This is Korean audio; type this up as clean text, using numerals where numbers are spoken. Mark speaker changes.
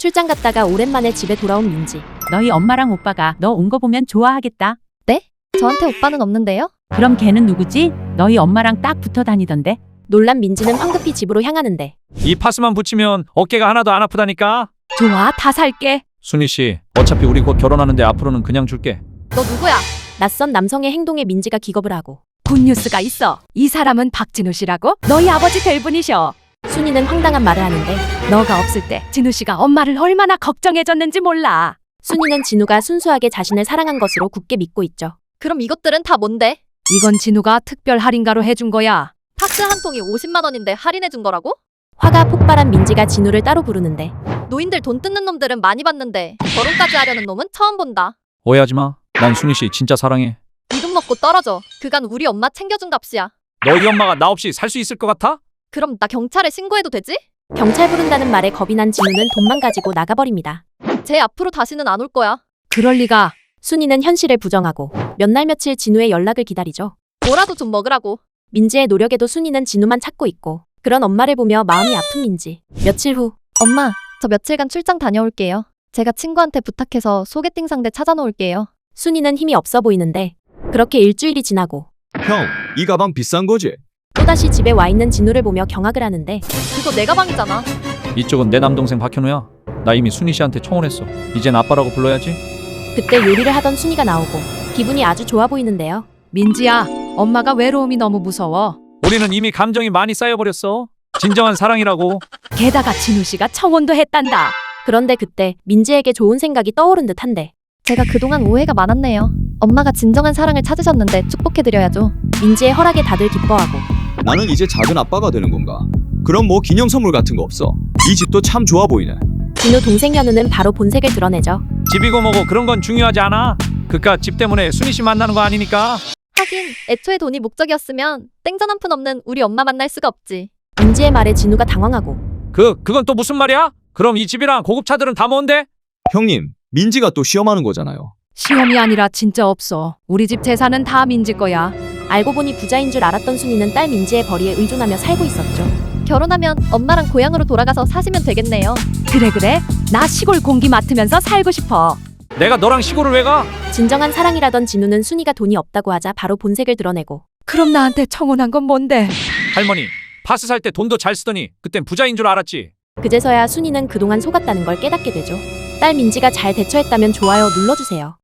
Speaker 1: 출장 갔다가 오랜만에 집에 돌아온 민지.
Speaker 2: 너희 엄마랑 오빠가 너 온 거 보면 좋아하겠다.
Speaker 3: 네? 저한테 오빠는 없는데요?
Speaker 2: 그럼 걔는 누구지? 너희 엄마랑 딱 붙어 다니던데.
Speaker 1: 놀란 민지는 황급히 집으로 향하는데
Speaker 4: 이 파스만 붙이면 어깨가 하나도 안 아프다니까.
Speaker 2: 좋아, 다 살게.
Speaker 4: 순희 씨, 어차피 우리 곧 결혼하는데 앞으로는 그냥 줄게.
Speaker 3: 너 누구야?
Speaker 1: 낯선 남성의 행동에 민지가 기겁을 하고
Speaker 2: 굿뉴스가 있어. 이 사람은 박진우 씨라고? 너희 아버지 될 분이셔.
Speaker 1: 순이는 황당한 말을 하는데
Speaker 2: 너가 없을 때 진우 씨가 엄마를 얼마나 걱정해줬는지 몰라.
Speaker 1: 순이는 진우가 순수하게 자신을 사랑한 것으로 굳게 믿고 있죠.
Speaker 3: 그럼 이것들은 다 뭔데?
Speaker 2: 이건 진우가 특별 할인가로 해준 거야.
Speaker 3: 파스 한 통이 50만 원인데 할인해 준 거라고?
Speaker 1: 화가 폭발한 민지가 진우를 따로 부르는데
Speaker 3: 노인들 돈 뜯는 놈들은 많이 봤는데 결혼까지 하려는 놈은 처음 본다.
Speaker 4: 오해하지 마. 난 순희 씨 진짜 사랑해.
Speaker 3: 이 돈 먹고 떨어져. 그간 우리 엄마 챙겨준 값이야.
Speaker 4: 너희 엄마가 나 없이 살 수 있을 것 같아?
Speaker 3: 그럼 나 경찰에 신고해도 되지?
Speaker 1: 경찰 부른다는 말에 겁이 난 진우는 돈만 가지고 나가버립니다.
Speaker 3: 쟤 앞으로 다시는 안 올 거야.
Speaker 2: 그럴 리가.
Speaker 1: 순이는 현실을 부정하고 몇 날 며칠 진우의 연락을 기다리죠.
Speaker 3: 뭐라도 좀 먹으라고.
Speaker 1: 민지의 노력에도 순이는 진우만 찾고 있고 그런 엄마를 보며 마음이 아픈 민지. 며칠 후
Speaker 3: 엄마, 저 며칠간 출장 다녀올게요. 제가 친구한테 부탁해서 소개팅 상대 찾아놓을게요.
Speaker 1: 순이는 힘이 없어 보이는데 그렇게 일주일이 지나고
Speaker 5: 형, 이 가방 비싼 거지?
Speaker 1: 또다시 집에 와 있는 진우를 보며 경악을 하는데
Speaker 3: 그거 내 가방이잖아.
Speaker 4: 이쪽은 내 남동생 박현우야. 나 이미 순희 씨한테 청혼했어. 이젠 아빠라고 불러야지.
Speaker 1: 그때 요리를 하던 순이가 나오고 기분이 아주 좋아 보이는데요.
Speaker 2: 민지야, 엄마가 외로움이 너무 무서워.
Speaker 4: 우리는 이미 감정이 많이 쌓여버렸어. 진정한 사랑이라고.
Speaker 2: 게다가 진우 씨가 청혼도 했단다.
Speaker 1: 그런데 그때 민지에게 좋은 생각이 떠오른 듯한데
Speaker 3: 제가 그동안 오해가 많았네요. 엄마가 진정한 사랑을 찾으셨는데 축복해드려야죠.
Speaker 1: 민지의 허락에 다들 기뻐하고
Speaker 5: 나는 이제 작은 아빠가 되는 건가? 그럼 뭐 기념 선물 같은 거 없어? 이 집도 참 좋아 보이네.
Speaker 1: 진우 동생 현우는 바로 본색을 드러내죠.
Speaker 4: 집이고 뭐고 그런 건 중요하지 않아. 그깟 집 때문에 순희 씨 만나는 거 아니니까.
Speaker 3: 하긴 애초에 돈이 목적이었으면 땡전 한 푼 없는 우리 엄마 만날 수가 없지.
Speaker 1: 민지의 말에 진우가 당황하고
Speaker 4: 그건 또 무슨 말이야? 그럼 이 집이랑 고급차들은 다 뭔데?
Speaker 5: 형님, 민지가 또 시험하는 거잖아요.
Speaker 2: 시험이 아니라 진짜 없어. 우리 집 재산은 다 민지 거야.
Speaker 1: 알고 보니 부자인 줄 알았던 순이는 딸 민지의 벌이에 의존하며 살고 있었죠.
Speaker 3: 결혼하면 엄마랑 고향으로 돌아가서 사시면 되겠네요.
Speaker 2: 그래. 나 시골 공기 맡으면서 살고 싶어.
Speaker 4: 내가 너랑 시골을 왜 가?
Speaker 1: 진정한 사랑이라던 진우는 순이가 돈이 없다고 하자 바로 본색을 드러내고
Speaker 2: 그럼 나한테 청혼한 건 뭔데?
Speaker 4: 할머니, 파스 살 때 돈도 잘 쓰더니 그땐 부자인 줄 알았지.
Speaker 1: 그제서야 순이는 그동안 속았다는 걸 깨닫게 되죠. 딸 민지가 잘 대처했다면 좋아요 눌러주세요.